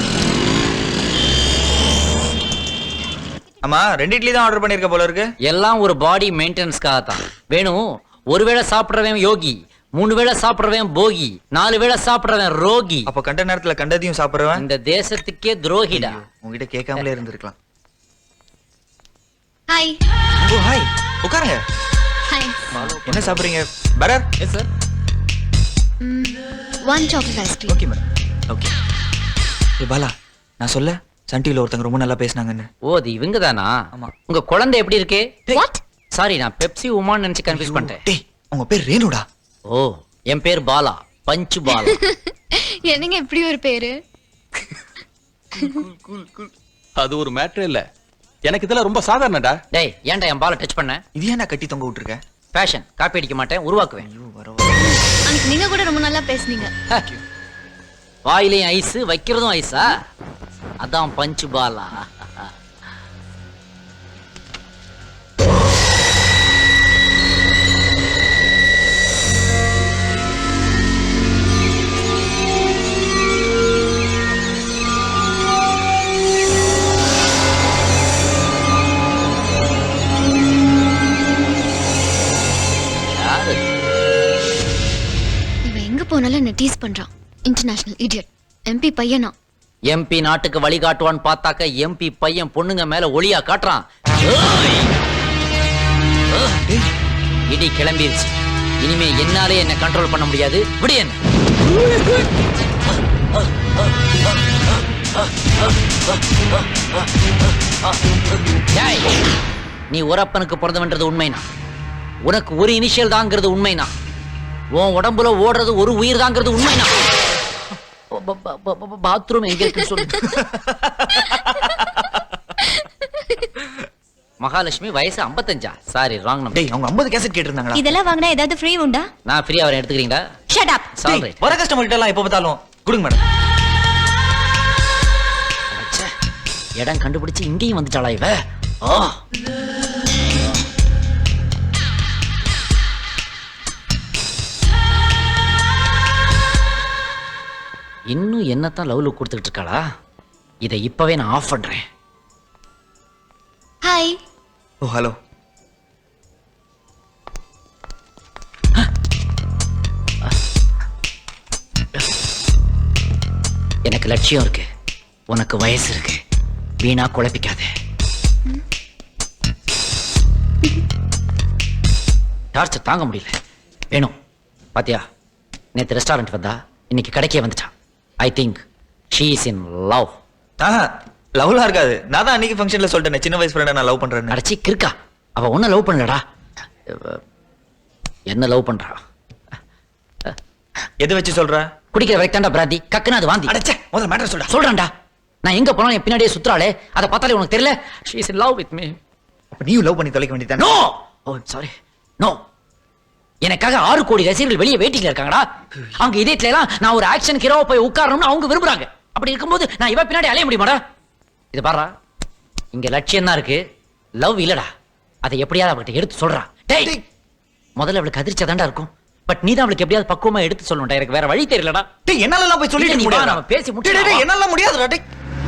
S5: ஆமா, ரெண்டு இட்லி தான் ஆர்டர் பண்ணிருக்க போல இருக்கு.
S2: எல்லாம் ஒரு பாடி மெயின்டெனன்ஸ்க்காக தான். வேணும், ஒருவேளை சாப்பிடுறவன் யோகி, மூணு வேளை சாப்பிடுறவன் போகி, நாலு வேளை சாப்பிடுறவன் ரோகி.
S5: அப்ப கண்ட நேரத்துல கண்டதையும் சாப்பிடுறவன்
S2: இந்த தேசத்துக்கே துரோகிடா.
S5: உங்ககிட்ட கேட்காமலே இருந்திருக்கலாம்.
S6: ஹாய்.
S5: ஓ ஹாய், உட்காருங்க.
S6: ஹாய்.
S5: என்ன சாப்பிடுறீங்க? பரர். Yes sir.
S6: One chocolate ice cream.
S5: Okay madam. Okay. ஏ பாலா, நான் சொல்ல சன் டிவில ஒருத்தங்க ரொம்ப நல்லா பேசுனாங்கன்னு.
S2: ஓ, அது இவங்க தானா?
S5: ஆமா.
S2: உங்க குழந்தை எப்படி இருக்கு?
S6: வாட்?
S2: சாரி, நான் பெப்சி உமான்னு நினைச்சு கன்ஃபியூஸ் பண்ணிட்டேன்.
S5: டேய், உங்க பேர் ரேணுடா.
S2: ஓ, என் பேர் பாலா, பஞ்சு பாலா.
S6: என்னங்க இப்படி ஒரு பேரு?
S1: அது ஒரு மேட்டர் இல்ல. எனக்கு இதெல்லாம் ரொம்ப சாதாரணடா.
S2: டேய், ஏன்டா என் பாலை டச் பண்ண?
S5: இது ஏன்டா கட்டி தொங்க விட்டுருக்க?
S2: ஃபேஷன், காப்பி அடிக்க மாட்டேன், உருவாக்குவேன்.
S5: ஐயோ வர
S6: அன்னைக்கு நீங்க கூட ரொம்ப நல்லா பேசுனீங்க.
S2: வாயிலையும் ஐஸ், வைக்கிறதும் ஐஸா? அதான் பஞ்சு பாலா.
S6: இவன் எங்க போனாலும் என்ன டீஸ் பண்றான். International idiot. எம்பி பையனா?
S2: எம்பி நாட்டுக்கு வழிகாட்டுவான்னு பார்த்தாக்க எம்பி பையன் பொண்ணுங்க மேல ஒளியா காட்டுறான். ஏய்! ஏய்! இடி கிளம்பிருச்சு. இனிமே என்னாலே என்ன கண்ட்ரோல் பண்ண முடியாது. விடு என்ன. ஏய்! நீ உரப்பனுக்கு பிறந்தவன்றது உண்மைனா, உனக்கு ஒரு இனிஷியல் தாங்கிறது உண்மைனா, உன் உடம்புல ஓடுறது ஒரு உயிர் தாங்கிறது உண்மைனா, பாத்ரூம் எங்க இருக்கு சொல்லு. மகாலட்சுமி வயசு ஐம்பத்தஞ்சா? Sorry, wrong number.
S5: டேய், அவங்க ஐம்பது கேசட் கேட்டிருந்தாங்களா?
S3: இதெல்லாம் வாங்கினா ஏதாவது ஃப்ரீ உண்டா?
S2: நான் ஃப்ரீயா வரேன், எடுத்துக்கிறீங்களா?
S3: Shut up.
S2: சாரி.
S5: வர கஸ்டமர் கிட்ட எல்லாம் எப்ப பார்த்தாலும் கொடுங்க மேடம்.
S2: இடம் கண்டுபிடிச்சு இங்கேயும் வந்துட்டாளா இவ? ஆ. இன்னும் என்னத்தான் லவ் லுக் கொடுத்துக்கிட்டு இருக்காளா? இதை இப்பவே நான் ஆஃப் பண்றேன்.
S4: Oh hello.
S2: எனக்கு லட்சியம் இருக்கு, உனக்கு வயசு இருக்கு, வீணா குழப்பிக்காத. டார்ச்சர் தாங்க முடியல. வேணும் பாத்தியா, நேத்து ரெஸ்டாரண்ட் வந்தா இன்னைக்கு கடைக்கே வந்துட்டான். I think she is in love.
S4: ஆஹா, லவ்லாம் இருக்காது. நான் தான் அன்னைக்கு ஃபங்க்ஷன்ல சொல்லிட்டேன் சின்ன வயசு ஃப்ரெண்டை நான் லவ் பண்றேன்னு.
S2: அடைச்சி கிறுக்கா, அவ ஒன்னும் லவ் பண்ணலடா. என்ன லவ் பண்றா?
S4: எது வச்சு சொல்ற?
S2: குடிக்கிற வரைக்கும் பிராந்தி, கக்குனா அது வாந்தி.
S4: அடச்சே, முதல்ல மேட்டர் சொல்றா.
S2: சொல்றேன்டா, நான் எங்க போனாலும் என் பின்னாடியே சுத்துறாளே, அதை பார்த்தாலே உனக்கு தெரியல? She is in love with me.
S4: அப்ப நீயும் லவ் பண்ணி தொலைக்க வேண்டியதானே?
S2: No, oh sorry, no. எனக்காக ஆறு கோடி ரசிகர்கள் வெளியே வெயிட்டிங்ல இருக்காங்கடா. அவங்க இதயத்துல எல்லாம் நான் ஒரு ஆக்ஷன் ஹீரோவா போய் உட்காரணும்னு அவங்க விரும்புறாங்க. அப்படி இருக்கும்போது நான் இவ பின்னாடி அலைய முடியுமாடா? இது பாரா, இங்க லட்சியம் தான் இருக்கு, லவ் இல்லடா. அதை எப்படியாவது அவகிட்ட எடுத்து சொல்றா. டேய், முதல்ல அவளுக்கு அதிர்ச்சியா தான்டா இருக்கும், பட் நீ தான் அவளுக்கு எப்படியாவது பக்குவமா எடுத்து சொல்லணும்டா. எனக்கு வேற வழி தெரியலடா.
S4: டேய், என்னால எல்லாம் போய் சொல்லிட்டு
S2: நீ வா,
S4: முடியாது.
S2: நாம பேசி
S4: டேய்,
S2: முடிச்சு.
S4: டேய், என்னால முடியாதுடா. டேய்,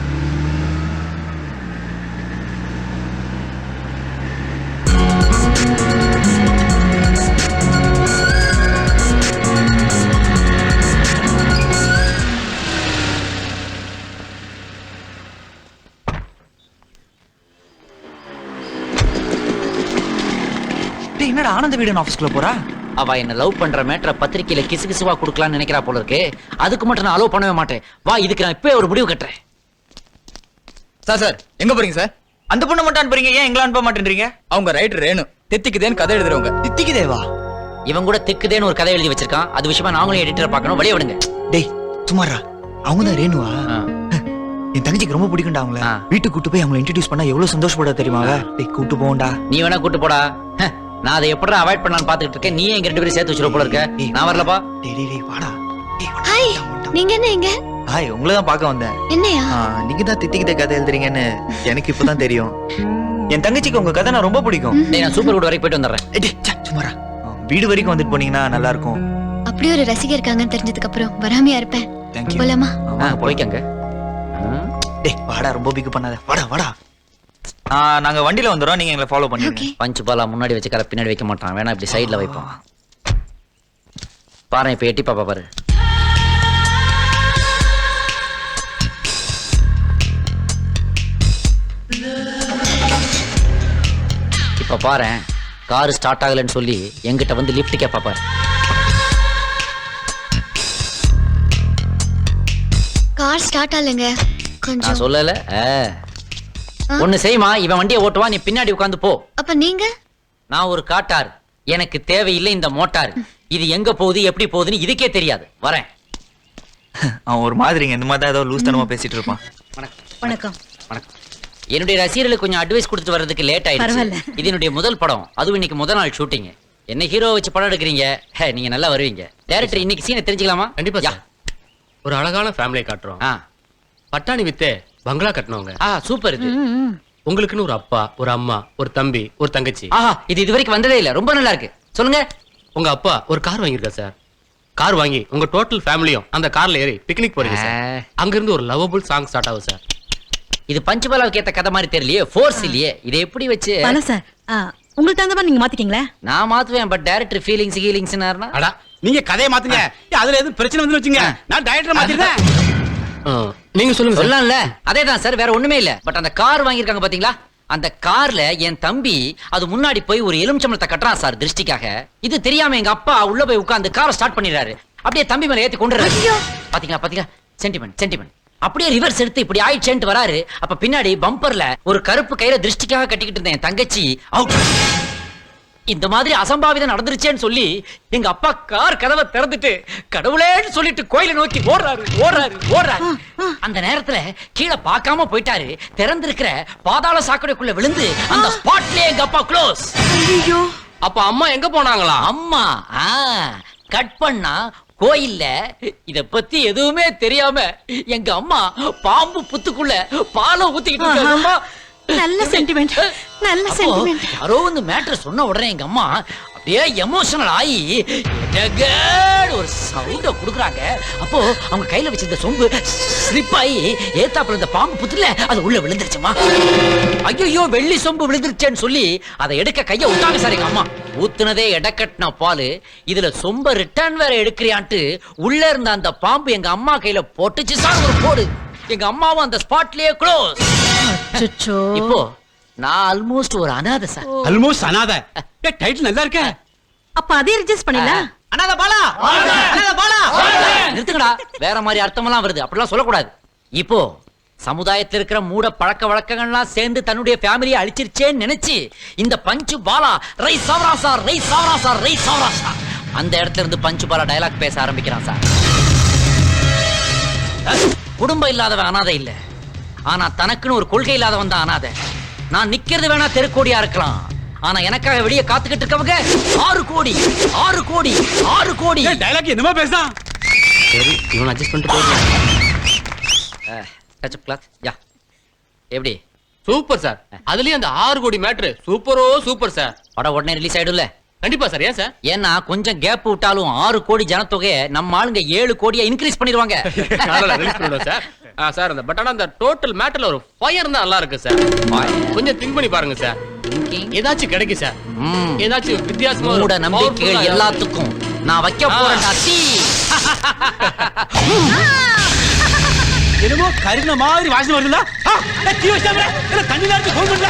S4: டேய், என்னடா ஆனந்த வீடன் ஆபீஸ்க்குள்ள போறா?
S2: அவ என்ன லவ் பண்ற மேட்டரை பத்திரிக்கையில கிசு கிசுவா கொடுக்கலாம்னு நினைக்கிறா போல இருக்கு. அதுக்கு மட்டும் நான் அலோவ் பண்ணவே மாட்டேன். வா, இதுக்கு நான் இப்பவே ஒரு முடிவு கட்டுறேன்.
S12: சார் சார் எங்க போறீங்க சார்?
S4: அந்த பொண்ணை மட்டும் அனுப்புறீங்க, ஏன் எங்களை அனுப்ப மாட்டேன்றீங்க?
S12: அவங்க ரைட்டர் ரேணு, தித்திக்குதேன்னு கதை எழுதுறவங்க.
S4: தித்திக்குதேவா?
S2: இவன் கூட திக்குதேன்னு ஒரு கதை எழுதி வச்சிருக்கான். அது விஷயமா நாங்களும் எடிட்டரை பார்க்கணும். வெளியே விடுங்க.
S4: டேய் சுமாரா, அவங்க தான் ரேணுவா? என் தங்கச்சிக்கு ரொம்ப பிடிக்கும்டா அவங்கள. வீட்டுக்கு கூட்டு போய் அவங்களை இன்ட்ரோடியூஸ் பண்ணா எவ்வளவு சந்தோஷப்பட தெரியுமா? டேய் கூட்டு போண்டா.
S2: நீ வேணா கூட்டு போடா. நான் அதை எப்படி அவாய்ட் பண்ணலாம்னு பாத்துக்கிட்டு இருக்கேன். நீ எங்க ரெண்டு பேரும் சேர்த்து வச்சிருக்க போல இருக்க. நான் வரலப்பா.
S4: டேய் டேய் டேய் வாடா.
S6: ஹாய், நீங்க என்ன இங்க?
S4: ஹாய், உங்களை தான் பார்க்க வந்தேன்.
S6: என்னையா?
S4: நீங்க தான் தித்திக்கிட்ட கதை எழுதுறீங்கன்னு எனக்கு இப்பதான் தெரியும். என் தங்கச்சிக்கு உங்க கதை நான் ரொம்ப பிடிக்கும்.
S2: டேய், நான் சூப்பர் குட் வரைக்கும் போயிட்டு வந்துடுறேன்.
S4: டேய் சே, சுமாரா, வீடு வரைக்கும் வந்துட்டு போனீங்கன்னா நல்லா இருக்கும்.
S6: அப்படி ஒரு ரசிகர் இருக்காங்கன்னு தெரிஞ்சதுக்கு அப்புறம் வராமையா இருப்பேன்.
S4: Thank you.
S6: போலாமா?
S2: போய்க்கங்க.
S4: டேய் வாடா, ரொம்ப பிக் பண்ணாத. வாடா வாடா. ஆ, நாங்க வண்டில வந்துறோம், நீங்க எங்களை ஃபாலோ பண்ணுங்க.
S2: பஞ்சு பாலா முன்னாடி வச்சு கரை பின்னாடி வைக்க மாட்டான். வேணா இப்படி சைடுல வைப்போம். பாரு, இப்ப எட்டி பாப்பா பாரு. இப்ப பாரு, கார் ஸ்டார்ட் ஆகலன்னு சொல்லி எங்கிட்ட வந்து லிஃப்ட் கேப்பா பாரு.
S6: கார் ஸ்டார்ட் ஆகலங்க.
S2: நான்
S6: கொஞ்சம்
S2: சொல்லல. ஒண்ணு செய்யுமா, இவன் வண்டியை ஓட்டுவா, நீ பின்னாடி உட்காந்து போ.
S6: அப்ப நீங்க?
S2: நான் ஒரு காட்டார், எனக்கு தேவையில்லை இந்த மோட்டார். இது எங்க போகுது எப்படி போகுதுன்னு இதுக்கே தெரியாது. வரேன்.
S4: அவன் ஒரு மாதிரிங்க, இந்த மாதிரி தான் ஏதோ லூஸ் தனமா பேசிட்டு இருப்பான்.
S3: வணக்கம்.
S2: வணக்கம். என்னுடைய ரசிகர்களுக்கு கொஞ்சம் அட்வைஸ் கொடுத்துட்டு வர்றதுக்கு லேட் ஆயிடுச்சு. இது என்னுடைய முதல் படம், அதுவும் இன்னைக்கு முதல் நாள் ஷூட்டிங். என்ன ஹீரோ வச்சு படம் எடுக்கிறீங்க, நீங்க நல்லா வருவீங்க. டைரக்டர் இன்னைக்கு சீனை தெரிஞ்சுக்கலாமா?
S1: கண்டிப்பா சார். ஒரு அழகான ஃபேமிலியை காட்டுறோம். பட்டாணி வித்தே பங்களா கட்டணவங்க.
S2: ஆ, சூப்பர். இது
S1: உங்களுக்குன்னு ஒரு அப்பா, ஒரு அம்மா, ஒரு தம்பி, ஒரு தங்கச்சி.
S2: ஆஹா, இது இது வரைக்கும் வந்ததே இல்ல. ரொம்ப நல்லா இருக்கு. சொல்லுங்க.
S1: உங்க அப்பா ஒரு கார் வாங்கியிருக்காரு சார். கார் வாங்கி உங்க டோட்டல் ஃபேமிலியும் அந்த கார்ல ஏறி பிக்னிக் போறீங்க சார். அங்க இருந்து ஒரு லவபிள் சாங் ஸ்டார்ட் ஆகும் சார்.
S2: இது பஞ்சபாலாவுக்கு ஏத்த கதை மாதிரி தெரியலையே, ஃபோர்ஸ் இல்லையே. இதை எப்படி வச்சு
S3: சார், உங்களுக்கு தகுந்த மாதிரி நீங்க மாத்திக்கீங்களா?
S2: நான் மாத்துவேன், பட் டைரக்டர் ஃபீலிங்ஸ் ஹீலிங்ஸ்னாருனா
S1: அடா, நீங்க கதையை மாத்துங்க. அதுல எதுவும் பிரச்சனை வந்து வச்சுங்க, நான் டைரக்டர் மாத்திடுறேன். நீங்க சொல்லுங்க.
S2: சொல்லலாம்ல. அதேதான் சார், வேற ஒண்ணுமே இல்ல. பட் அந்த கார் வாங்கியிருக்காங்க பாத்தீங்களா, அந்த கார்ல என் தம்பி அது முன்னாடி போய் ஒரு எலுமிச்சம்பழத்தை கட்டுறான் சார் திருஷ்டிக்காக. இது தெரியாம எங்க அப்பா உள்ள போய் உட்கார்ந்து காரை ஸ்டார்ட் பண்ணிடுறாரு. அப்படியே தம்பி மேல ஏத்தி கொண்டுறாரு. பாத்தீங்களா பாத்தீங்களா, சென்டிமெண்ட் சென்டிமெண்ட். அப்படியே ரிவர்ஸ் எடுத்து இப்படி ஆயிடுச்சேன்ட்டு வராரு. அப்ப பின்னாடி பம்பர்ல ஒரு கருப்பு கயிறை திருஷ்டிக்காக கட்டிக்கிட்டு இருந்தேன் என் தங்கச்சி அவுட். இந்த மாதிரி அசம்பாவிதம் நடந்துருச்சேன்னு சொல்லி எங்க அப்பா கார் கதவை திறந்துட்டு கடவுளேன்னு சொல்லிட்டு கோயிலை நோக்கி ஓடுறாரு ஓடுறாரு ஓடுறாரு. அந்த நேரத்துல கீழே பார்க்காம போயிட்டாரு. திறந்திருக்கிற பாதாள சாக்கடைக்குள்ள விழுந்து அந்த ஸ்பாட்லயே எங்க அப்பா க்ளோஸ்.
S1: அப்ப அம்மா எங்க போனாங்களா?
S2: அம்மா கட் பண்ணா கோயில்ல. இத பத்தி எதுவுமே தெரியாம எங்க அம்மா பாம்பு புத்துக்குள்ள பாலை ஊத்திக்கிட்டு இருக்காங்க.
S3: நல்ல சென்டிமெண்ட், நல்ல சென்டிமெண்ட்.
S2: யாரோ வந்து மேட்டர் சொன்ன உடனே எங்க அம்மா ஏ எமோஷனல் ஆகி டகட் ஒரு சவுண்ட குடுக்குறாங்க. அப்போ அவங்க கையில வச்சிருந்த சொம்பு ஸ்லிப் ஆகி ஏத்தாப்புல இந்த பாம்பு புத்துல அது உள்ள விழுந்துருச்சுமா. ஐயோ வெள்ளி சொம்பு விழுந்துருச்சேன்னு சொல்லி அதை எடுக்க கைய விட்டாங்க சார் எங்க அம்மா. ஊத்துனதே எடக்கட்டின பாலு, இதுல சொம்ப ரிட்டர்ன் வேற எடுக்கிறியான்ட்டு உள்ள இருந்த அந்த பாம்பு எங்க அம்மா கையில போட்டுச்சு சார் ஒரு போடு. எங்க அம்மாவும் அந்த ஸ்பாட்லயே க்ளோஸ். இப்போ நான் ஆல்மோஸ்ட் ஒரு அனாதை சார்.
S1: ஆல்மோஸ்ட் அனாதை. டைட்டில் நல்லா இருக்க.
S3: அப்ப அதே ரிஜிஸ்டர் பண்ணிடலாம்.
S7: அண்ணாத பாலா அண்ணாத பாலா
S2: நிறுத்துங்கடா, வேற மாதிரி அர்த்தமெல்லாம் வருது, அப்படிலாம் சொல்லக்கூடாது. இப்போ சமுதாயத்தில் இருக்கிற மூட பழக்க வழக்கங்கள்லாம் சேர்ந்து தன்னுடைய ஃபேமிலியை அழிச்சிருச்சேன்னு நினைச்சு இந்த பஞ்சு பாலா ரை சாவரா சார் ரை சாவரா சார் ரை சாவரா சார் அந்த இடத்துல இருந்து பஞ்சு பாலா டயலாக் பேச ஆரம்பிக்கிறான் சார். குடும்பம் இல்லாதவன் அனாதை இல்ல, ஆனா தனக்குன்னு ஒரு கொள்கை இல்லாதவன் தான் அனாதை. நான் நிக்கிறது வேணா தெருக்கோடியா இருக்கலாம், ஆனா எனக்காக வெளியே காத்துக்கிட்டு இருக்கவங்க ஆறு கோடி ஆறு கோடி ஆறு கோடி.
S1: டயலாக் என்னமா பேசுறான்?
S2: சரி இவன் அட்ஜஸ்ட் பண்ணிட்டு போயிடலாம். டச் அப் கிளாத் யா எப்படி
S13: சூப்பர் சார். அதுலயும் அந்த ஆறு கோடி மேட்ரு சூப்பரோ சூப்பர் சார்.
S2: படம் உடனே ரிலீஸ் ஆயிடும்ல?
S13: கண்டிப்பா சார். ஏன் சார்?
S2: ஏன்னா கொஞ்சம் கேப் விட்டாலும் ஆறு கோடி ஜனத்தொகையை நம்ம ஆளுங்க ஏழு கோடியா இன்க்ரீஸ் பண்ணிடுவாங்க.
S13: சார் சார் அந்த பட் ஆனா அந்த டோட்டல் மேட்டர்ல ஒரு ஃபயர் தான் நல்லா இருக்கு சார். கொஞ்சம் திங்க் பண்ணி பாருங்க சார், ஏதாச்சும் கிடைக்கும் சார். ஏதாச்சும் வித்தியாசமா
S2: மூட நம்பிக்கைகள் எல்லாத்துக்கும் நான் வைக்க போறேன்.
S1: என்னமோ கருண மாதிரி வாசனை வருதுல. தீ வச்சாங்க தண்ணி நேரத்து ஃபோன் பண்ணல.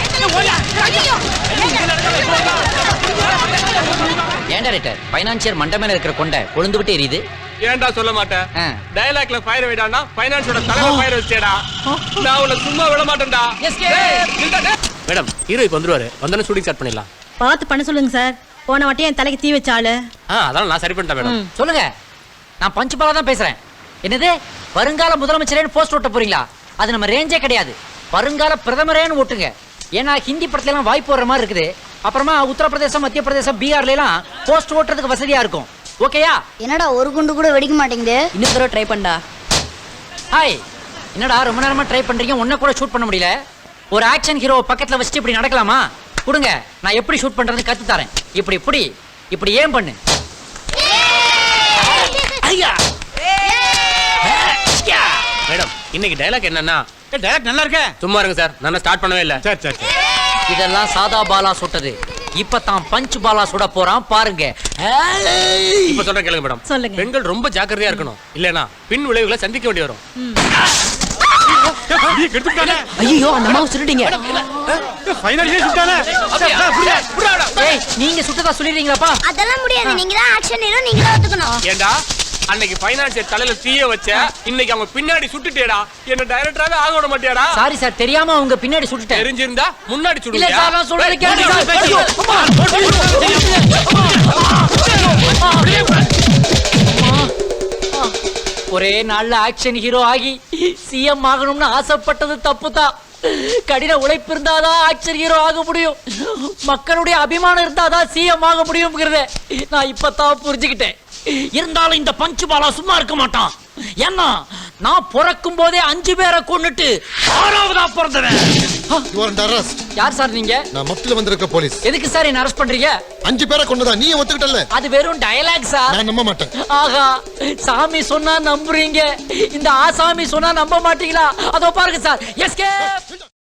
S2: ஏண்டா ரைட்டர் ஃபைனான்சியர் மண்டமேல இருக்கிற கொண்ட கொழுந்து விட்டு எரியுது.
S13: ஏன்டா சொல்ல மாட்டேன்? டயலாக்ல ஃபயர் வைடானா ஃபைனான்ஸோட தலைவர் ஃபயர் வச்சேடா. நான் உன்னை சும்மா விட மாட்டேன்டா. மேடம் ஹீரோ இப்ப வந்துருவாரு, வந்தன ஷூட்டிங் ஸ்டார்ட் பண்ணிடலாம்.
S3: பார்த்து பண்ண சொல்லுங்க சார். போன வாட்டி என் தலைக்கு தீ வச்சாளு.
S13: அதெல்லாம் நான் சரி பண்ணிட்டேன் மேடம்.
S2: சொல்லுங்க, நான் பஞ்சு பாலா தான் பேசுறேன். என்னது வருங்கால முதலமைச்சரேன்னு போஸ்ட் ஓட்ட போறீங்களா? அது நம்ம ரேஞ்சே கிடையாது. வருங்கால பிரதமரேன்னு ஓட்டுங்க. ஏன்னா ஹிந்தி படத்துல எல்லாம் வாய்ப்பு வர்ற மாதிரி இருக்குது. அப்புறமா உத்தரப்பிரதேசம் மத்திய பிரதேசம் பீகார்ல எல்லாம் போஸ்ட் ஓட்டுறதுக்கு வசதியா இருக்கும். ஓகேயா?
S6: என்னடா ஒரு குண்டு கூட வெடிக்க மாட்டேங்குது.
S3: இன்னும் தடவை ட்ரை பண்ணா.
S2: ஹாய், என்னடா ரொம்ப நேரமா ட்ரை பண்றீங்க, ஒன்ன கூட ஷூட் பண்ண முடியல. ஒரு ஆக்ஷன் ஹீரோ பக்கத்துல வச்சுட்டு இப்படி நடக்கலாமா? கொடுங்க, நான் எப்படி ஷூட் பண்றதுன்னு கத்து தரேன். இப்படி இப்படி இப்படி ஏன் பண்ணு. ஐயா
S13: மேடம் இன்னைக்கு டயலாக் என்னன்னா,
S1: டயலாக் நல்லா இருக்க.
S13: சும்மா இருங்க சார், நான் ஸ்டார்ட் பண்ணவே இல்ல.
S1: சரி சரி.
S2: இதெல்லாம் சாதா பாலா சுட்டது. இப்ப தான் பஞ்ச் பாலா சுட போறான் பாருங்க.
S13: இப்ப சொல்ற கேளுங்க மேடம்.
S3: சொல்லுங்க.
S13: பெண்கள் ரொம்ப ஜாக்கிரதையா இருக்கணும், இல்லனா பின் விளைவுகளை சந்திக்க வேண்டி வரும்.
S3: ஐயோ அந்த மாவு சுட்டுட்டீங்க.
S1: ஃபைனலியே சுட்டானே.
S2: ஏய் நீங்க சுட்டதா சொல்லிடுறீங்களாப்பா?
S6: அதெல்லாம் முடியாது, நீங்க தான் ஆக்ஷன் ஹீரோ, நீங்க தான் ஒத்துக்கணும்.
S13: ஏண்டா அன்னைக்கு ஃபைனான்சியர் தலையில தீய வச்ச, இன்னைக்கு அவங்க பின்னாடி சுட்டுட்டேடா. என்ன டைரக்டராவே ஆக விட மாட்டியாடா?
S2: சாரி சார், தெரியாம அவங்க பின்னாடி சுட்டுட்டேன்.
S13: தெரிஞ்சிருந்தா முன்னாடி
S2: இல்ல
S13: சுடுவியா?
S2: சார், நான் சொல்றது கேளுங்க. ஒரே நாள்ல ஆக்ஷன் ஹீரோ ஆகி சிஎம் ஆகணும்னு ஆசைப்பட்டது தப்புதான். கடின உழைப்பு இருந்தாதான் ஆக்ஷன் ஹீரோ ஆக முடியும். மக்களுடைய அபிமானம் இருந்தாதான் சிஎம் ஆக முடியும்ங்கிறத நான் இப்பதான் புரிஞ்சுக்கிட்டேன். இருந்தாலும் இந்த பஞ்சு பாலா சும்மா இருக்க மாட்டான். ஏன்னா நான் பிறக்கும் போதே அஞ்சு பேரை கொன்னுட்டு ஆறாவதா பிறந்தவன். யார் சார் நீங்க?
S14: நான் மத்தில வந்திருக்க போலீஸ்.
S2: எதுக்கு சார் என்ன அரெஸ்ட் பண்றீங்க?
S14: அஞ்சு பேரை கொண்டதா நீ ஒத்துக்கிட்டல்ல?
S2: அது வெறும் டயலாக் சார்.
S14: நான் நம்ப மாட்டேன்.
S2: ஆகா, சாமி சொன்னா நம்புறீங்க, இந்த ஆசாமி சொன்னா நம்ப மாட்டீங்களா? அதோ பாருங்க சார். எஸ்கேப்.